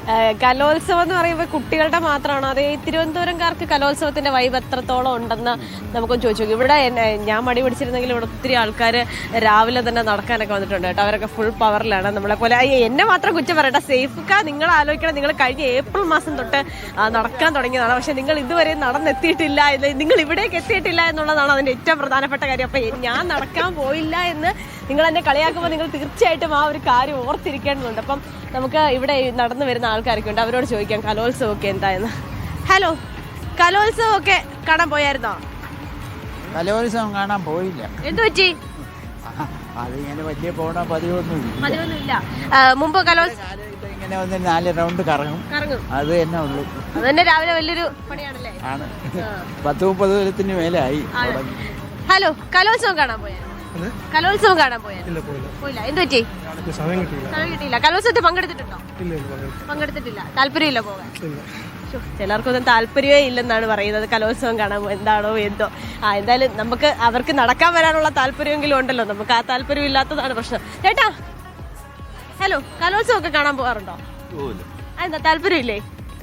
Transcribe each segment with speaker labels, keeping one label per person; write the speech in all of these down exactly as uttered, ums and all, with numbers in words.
Speaker 1: കലോത്സവം എന്ന് പറയുമ്പോൾ കുട്ടികളുടെ മാത്രമാണോ അതേ തിരുവനന്തപുരംകാർക്ക് കലോത്സവത്തിന്റെ വൈബ് എത്രത്തോളം ഉണ്ടെന്ന് നമുക്കൊന്ന് ചോദിച്ചു നോക്കി. ഇവിടെ ഞാൻ മടി പിടിച്ചിരുന്നെങ്കിൽ ഇവിടെ ഒത്തിരി ആൾക്കാർ രാവിലെ തന്നെ നടക്കാനൊക്കെ വന്നിട്ടുണ്ട് കേട്ടോ. അവരൊക്കെ ഫുൾ പവറിലാണ്. നമ്മളെ പോലെ എന്നെ മാത്രം കുറ്റം പറയട്ടെ. സേഫ്ക്ക നിങ്ങൾ ആലോചിക്കണം, നിങ്ങൾ കഴിഞ്ഞ ഏപ്രിൽ മാസം തൊട്ട് നടക്കാൻ തുടങ്ങിയതാണ്. പക്ഷെ നിങ്ങൾ ഇതുവരെ നടന്നെത്തിയിട്ടില്ല, നിങ്ങൾ ഇവിടേക്ക് എത്തിയിട്ടില്ല എന്നുള്ളതാണ് അതിന്റെ ഏറ്റവും പ്രധാനപ്പെട്ട കാര്യം. അപ്പൊ ഞാൻ നടക്കാൻ പോയില്ല എന്ന് നിങ്ങൾ എന്നെ കളിയാക്കുമ്പോൾ നിങ്ങൾ തീർച്ചയായിട്ടും ആ ഒരു കാര്യം ഓർത്തിരിക്കേണ്ടതുണ്ട്. അപ്പം നമുക്ക് ഇവിടെ നടന്നു വരുന്ന ആൾക്കാരൊക്കെ ഉണ്ട്, അവരോട് ചോദിക്കാം കലോത്സവമൊക്കെ എന്തായെന്ന്. ഹലോ, കലോത്സവമൊക്കെ കാണാൻ പോയായിരുന്നോ?
Speaker 2: കലോത്സവം കാണാൻ പോയില്ല.
Speaker 1: എന്തു പറ്റി?
Speaker 2: അതിങ്ങനെ വലിയ പോണ പതിവൊന്നുമില്ല.
Speaker 1: പതിവൊന്നുമില്ല. മുമ്പ് കലോത്സവം
Speaker 2: ഇങ്ങനെ വന്ന് നാല് റൗണ്ട് കറങ്ങും,
Speaker 1: കറങ്ങും.
Speaker 2: അത് തന്നെ ഉള്ളൂ.
Speaker 1: അത് തന്നെ രാവിലെ വലിയൊരു പണിയാണല്ലേ?
Speaker 2: ആണ്. പത്ത് മുപ്പത് കൊല്ലത്തിന് മേലായി.
Speaker 1: ഹലോ, കലോത്സവം കാണാൻ പോയാ? കലോത്സവം കാണാൻ പോയാ? പോയില്ല. എന്ത് പറ്റി? സമയം കിട്ടിയില്ല. കലോത്സവത്തിൽ പങ്കെടുത്തിട്ടുണ്ടോ? പങ്കെടുത്തിട്ടില്ല. താല്പര്യമില്ല പോകാൻ? ചിലർക്കൊന്നും താല്പര്യമേ ഇല്ലെന്നാണ് പറയുന്നത് കലോത്സവം കാണാൻ. എന്താണോ എന്തോ. ആ എന്തായാലും നമുക്ക് അവർക്ക് നടക്കാൻ വരാനുള്ള താല്പര്യമെങ്കിലും ഉണ്ടല്ലോ, നമുക്ക് ആ താല്പര്യം ഇല്ലാത്തതാണ് പ്രശ്നം. ചേട്ടാ, ഹലോ, കലോത്സവം ഒക്കെ കാണാൻ പോകാറുണ്ടോ? എന്താ താല്പര്യമില്ലേ?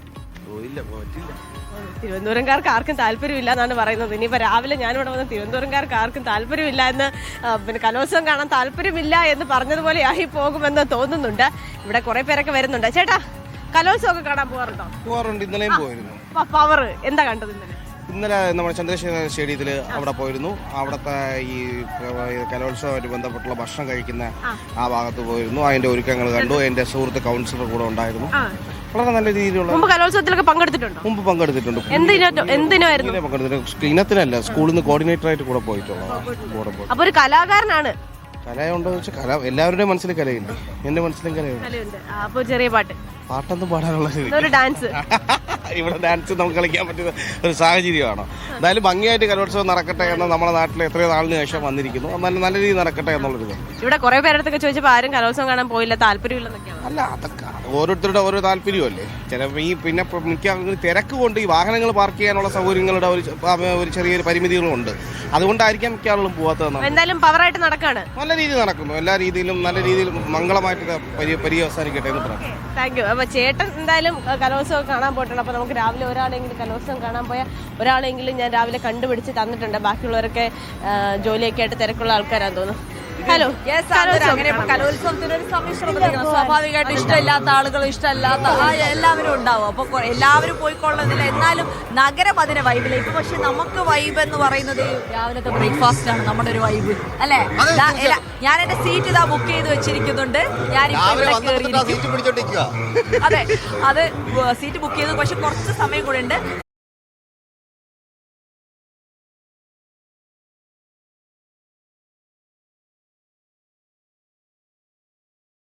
Speaker 1: തിരുവനന്തപുരംകാർക്ക് ആർക്കും താല്പര്യമില്ല എന്നാണ് പറയുന്നത്. ഇനിയിപ്പോൾ രാവിലെ ഞാനിവിടെ വന്ന് തിരുവനന്തപുരംകാർക്ക് ആർക്കും താല്പര്യമില്ല എന്ന്, പിന്നെ കലോത്സവം കാണാൻ താല്പര്യമില്ല എന്ന് പറഞ്ഞതുപോലെ ആയി പോകുമെന്ന് തോന്നുന്നുണ്ട്. ഇവിടെ കുറെ പേരൊക്കെ വരുന്നുണ്ട്. ചേട്ടാ, കലോത്സവം ഒക്കെ കാണാൻ പോകാറുണ്ടോ?
Speaker 3: പോകാറുണ്ട്. ഇന്നലെയും പോയിരുന്നു.
Speaker 1: പവർ എന്താ കണ്ടത് ഇന്നലെ?
Speaker 3: ഇന്നലെ നമ്മുടെ ചന്ദ്രശേഖര സ്റ്റേഡിയത്തിൽ അവിടെ പോയിരുന്നു. അവിടുത്തെ ഈ കലോത്സവമായിട്ട് ബന്ധപ്പെട്ടുള്ള ഭക്ഷണം കഴിക്കുന്ന ആ ഭാഗത്ത് പോയിരുന്നു. അതിന്റെ ഒരുക്കങ്ങൾ കണ്ടു. എന്റെ സുഹൃത്ത് കൗൺസിലർ കൂടെ ഉണ്ടായിരുന്നു. വളരെ നല്ല രീതിയിലുള്ള.
Speaker 1: മുമ്പ് കലോത്സവത്തിലൊക്കെ പങ്കെടുത്തിട്ടുണ്ടോ?
Speaker 3: മുമ്പ് പങ്കെടുത്തിട്ടുണ്ട്.
Speaker 1: എന്തിനായിരുന്നു
Speaker 3: പങ്കെടുത്തിട്ടുണ്ട്? ഇനത്തിനല്ല, സ്കൂളിൽ നിന്ന് കോർഡിനേറ്റർ ആയിട്ട് കൂടെ പോയിട്ടുള്ളത്.
Speaker 1: അപ്പൊ ഒരു കലാകാരനാണ്.
Speaker 3: കലയുണ്ടോ വെച്ചാൽ കല എല്ലാവരുടെയും മനസ്സിൽ കലയുണ്ട്. എന്റെ മനസ്സിലും കലയുണ്ട്.
Speaker 1: അപ്പൊ ചെറിയ പാട്ട്
Speaker 3: പാട്ടൊന്നും പാടാനുള്ള
Speaker 1: ഡാൻസ്
Speaker 3: ഇവിടെ ഡാൻസ് നമുക്ക് കളിക്കാൻ പറ്റുന്ന ഒരു സാഹചര്യമാണോ? എന്തായാലും ഭംഗിയായിട്ട് കലോത്സവം നടക്കട്ടെ എന്ന് നമ്മുടെ നാട്ടിൽ എത്രയോ നാളിന് ശേഷം വന്നിരിക്കുന്നു. നല്ല നല്ല രീതിയിൽ നടക്കട്ടെ എന്നുള്ളൊരു.
Speaker 1: ഇവിടെ കുറെ പേരടുത്തൊക്കെ ചോദിച്ചപ്പോൾ ആരും കലോത്സവം കാണാൻ പോയില്ല, താല്പര്യമില്ലെന്നൊക്കെയാണ്.
Speaker 3: അല്ല, അതൊക്കെ ഓരോരുത്തരുടെ ഓരോ താല്പര്യമല്ലേ. ചിലപ്പോൾ ഈ പിന്നെ മിക്ക തിരക്ക് കൊണ്ട് ഈ വാഹനങ്ങൾ പാർക്ക് ചെയ്യാനുള്ള സൗകര്യങ്ങളുടെ ഒരു ഒരു ചെറിയൊരു പരിമിതികളും ഉണ്ട്. അതുകൊണ്ടായിരിക്കാം മിക്ക ആളുകളും പോകാത്തത്.
Speaker 1: എന്തായാലും പവറായിട്ട് നടക്കാണ്.
Speaker 3: നല്ല രീതിയിൽ നടക്കുന്നു. എല്ലാ രീതിയിലും നല്ല രീതിയിൽ മംഗളമായിട്ട് പര്യവസാനിക്കട്ടെ എന്ന് പറയാം.
Speaker 1: Thank you. അപ്പൊ ചേട്ടൻ എന്തായാലും കലോത്സവം കാണാൻ പോയിട്ടുണ്ട്. അപ്പൊ നമുക്ക് രാവിലെ ഒരാളെങ്കിലും കലോത്സവം കാണാൻ പോയാൽ ഒരാളെങ്കിലും ഞാൻ രാവിലെ കണ്ടുപിടിച്ച് തന്നിട്ടുണ്ട്. ബാക്കിയുള്ളവരൊക്കെ ജോലിയൊക്കെ ആയിട്ട് തിരക്കുള്ള ആൾക്കാരാന്ന് തോന്നുന്നു. ഹലോ,
Speaker 4: അങ്ങനെ കലോത്സവത്തിനൊരു സമ്മിശ്രം പ്രതികരണം. സ്വാഭാവികമായിട്ട് ഇഷ്ടമില്ലാത്ത ആളുകൾ, ഇഷ്ടമല്ലാത്ത എല്ലാവരും ഉണ്ടാവും. അപ്പൊ എല്ലാവരും പോയിക്കൊള്ളുന്നില്ല. എന്നാലും നഗരം അതിനെ വൈബിലേക്ക്. പക്ഷെ നമുക്ക് വൈബ് എന്ന് പറയുന്നത് രാവിലത്തെ ബ്രേക്ക്ഫാസ്റ്റ് ആണ് നമ്മുടെ ഒരു വൈബ്, അല്ലേ? ഞാൻ എന്റെ സീറ്റ് ഇതാ ബുക്ക് ചെയ്ത് വെച്ചിരിക്കുന്നുണ്ട്. ഞാൻ അതെ, അത് സീറ്റ് ബുക്ക് ചെയ്തു. പക്ഷെ കുറച്ച് സമയം കൂടെ ഉണ്ട്.